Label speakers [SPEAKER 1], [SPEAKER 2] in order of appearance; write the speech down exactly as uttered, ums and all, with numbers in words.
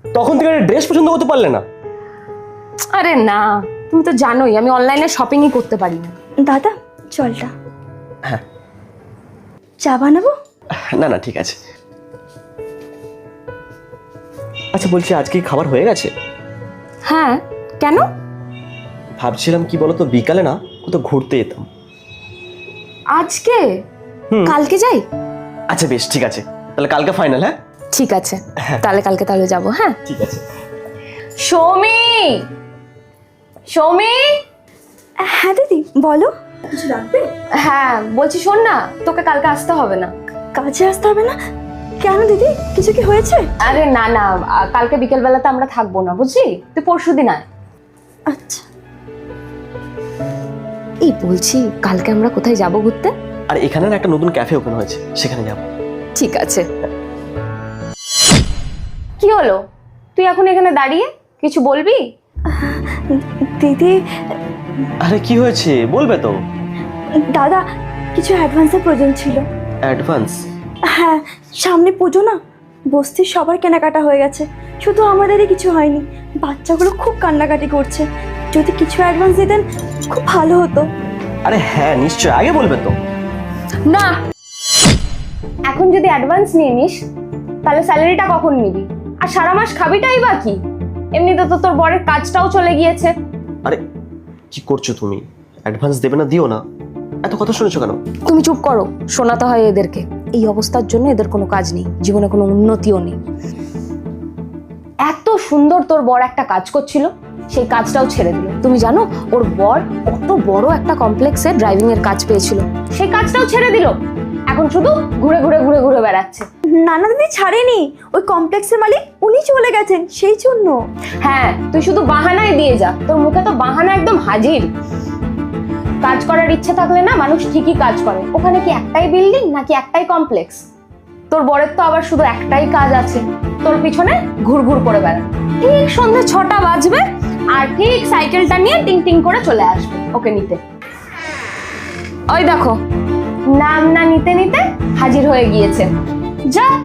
[SPEAKER 1] তখন থেকে একটা ড্রেস পছন্দ করতে পারলে না?
[SPEAKER 2] আরে না, তুমি তো জানোই আমি অনলাইনে শপিংই করতে পারি না।
[SPEAKER 3] দাদা চলটা।
[SPEAKER 1] হ্যাঁ।
[SPEAKER 3] চা বানাবো?
[SPEAKER 1] না না ঠিক আছে। আচ্ছা বলছি, আজকে কি খাবার হয়ে গেছে?
[SPEAKER 2] হ্যাঁ, কেন?
[SPEAKER 1] ভাবছিলাম কি বলতো, বিকালে না কোথাও ঘুরতে যেতাম।
[SPEAKER 2] আজকে?
[SPEAKER 1] হুম।
[SPEAKER 2] কালকে যাই?
[SPEAKER 1] আচ্ছা বেশ, ঠিক আছে, তাহলে কালকে ফাইনাল। হ্যাঁ
[SPEAKER 2] ঠিক আছে, তাহলে কালকে তাহলে যাবো। হ্যাঁ
[SPEAKER 1] ঠিক আছে।
[SPEAKER 2] সৌমি, সৌমি।
[SPEAKER 3] হ্যাঁ দিদি বলো, কিছু লাগবে?
[SPEAKER 2] হ্যাঁ বলছি শোন না, তোকে কালকে আসতে হবে না।
[SPEAKER 3] কাজে আসতে হবে না? কেন দিদি, কিছু কি হয়েছে?
[SPEAKER 2] আরে না না, আহ, কালকে বিকেল বেলাতে আমরা থাকবো না, বুঝলি? তুই পরশু দিন আয়।
[SPEAKER 3] আচ্ছা।
[SPEAKER 2] এই বলছি, কালকে আমরা কোথায় যাব ঘুরতে?
[SPEAKER 1] আর এখানে না একটা নতুন ক্যাফে ওপেন হয়েছে, সেখানে যাব।
[SPEAKER 2] ঠিক আছে। কি হলো, তুই এখন এখানে দাঁড়িয়ে কিছু বলবি?
[SPEAKER 3] দিদি।
[SPEAKER 1] আরে কি হয়েছে, বলবে তো।
[SPEAKER 3] দাদা, কিছু অ্যাডভান্সের প্রয়োজন ছিল।
[SPEAKER 1] অ্যাডভান্স?
[SPEAKER 3] হ্যাঁ, সামনে পুজো না, বস্তির সবার কেনাকাটা হয়ে গেছে, শুধু আমাদেরই কিছু হয়নি। বাচ্চাগুলো খুব কান্নাকাটি করছে, যদি কিছু অ্যাডভান্স দিতেন খুব ভালো হতো।
[SPEAKER 1] আরে হ্যাঁ নিশ্চয়, আগে বলবে তো।
[SPEAKER 2] না, এখন যদি অ্যাডভান্স নিয়ে নিস তাহলে স্যালারিটা কখন নিবি? আর সারা মাস খাবিটাই বা কি? এমনিতে তো তোর বরের কাজটাও চলে গিয়েছে।
[SPEAKER 1] আরে কি করছো তুমি, অ্যাডভান্স দেবে না, দিও না, এত কথা শুনেছো কেন?
[SPEAKER 2] তুমি চুপ করো, শোনাতে হয় এদেরকে। এই অবস্থার জন্য এদের কোনো কাজ নেই, জীবনে কোনো উন্নতিও নেই। এত সুন্দর তোর বর একটা কাজ করছিল, সেই কাজটাও ছেড়ে দিল। তুমি জানো ওর বর কত বড় একটা কমপ্লেক্সে ড্রাইভিং এর কাজ পেয়েছিল, সেই কাজটাও ছেড়ে দিল। এখন শুধু ঘুরে ঘুরে ঘুরে ঘুরে বেড়াচ্ছে।
[SPEAKER 3] না না দিদি, ছাড়েনি, ওই কমপ্লেক্সের মালিক উনি চলে গেছেন সেই জন্য।
[SPEAKER 2] হ্যাঁ, তুই শুধু বাহানাই দিয়ে যা, তোর মুখে তো বাহানা একদম হাজির। কাজ করার ইচ্ছে থাকলে না মানুষ ঠিকই কাজ করে। ওখানে কি একটাই বিল্ডিং নাকি একটাই কমপ্লেক্স? তোর বরের তো আবার শুধু একটাই কাজ আছে, তোর পিছনে ঘুরঘুর করে বেড়ানো। ঠিক সন্ধ্যে ছটা বাজবে আর ঠিক সাইকেলটা নিয়ে টিং টিং করে চলে আসবে ওকে নিতে। ওই দেখো, নাম না নিতে নিতে হাজির হয়ে গিয়েছে। যা।